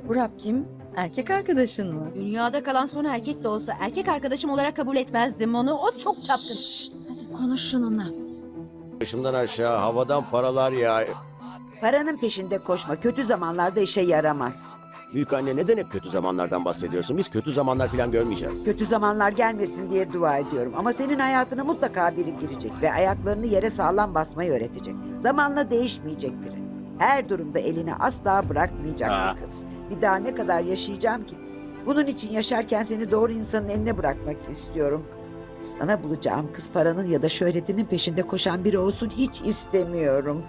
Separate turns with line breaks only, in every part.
Burak kim? Erkek arkadaşın mı?
Dünyada kalan son erkek de olsa erkek arkadaşım olarak kabul etmezdim onu. O çok çapkın.
Hadi konuş şununla.
Başımdan aşağı havadan paralar ya.
Paranın peşinde koşma. Kötü zamanlarda işe yaramaz.
Büyük anne neden hep kötü zamanlardan bahsediyorsun? Biz kötü zamanlar falan görmeyeceğiz.
Kötü zamanlar gelmesin diye dua ediyorum. Ama senin hayatına mutlaka biri girecek ve ayaklarını yere sağlam basmayı öğretecek. Zamanla değişmeyecek biri. Her durumda elini asla bırakmayacak bir kız. Bir daha ne kadar yaşayacağım ki? Bunun için yaşarken seni doğru insanın eline bırakmak istiyorum. Sana bulacağım kız paranın ya da şöhretinin peşinde koşan biri olsun hiç istemiyorum.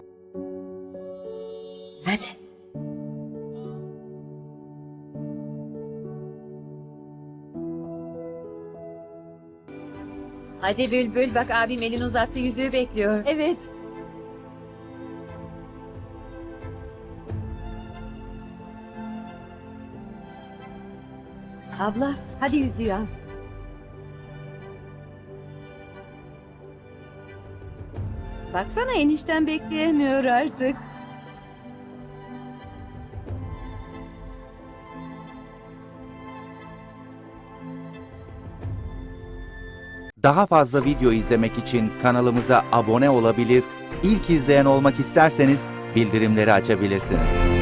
Hadi.
Hadi Bülbül bak abim elini uzattı yüzüğü bekliyor.
Evet. Abla hadi yüzüğü al. Baksana enişten bekleyemiyor artık.
Daha fazla video izlemek için kanalımıza abone olabilir, ilk izleyen olmak isterseniz bildirimleri açabilirsiniz.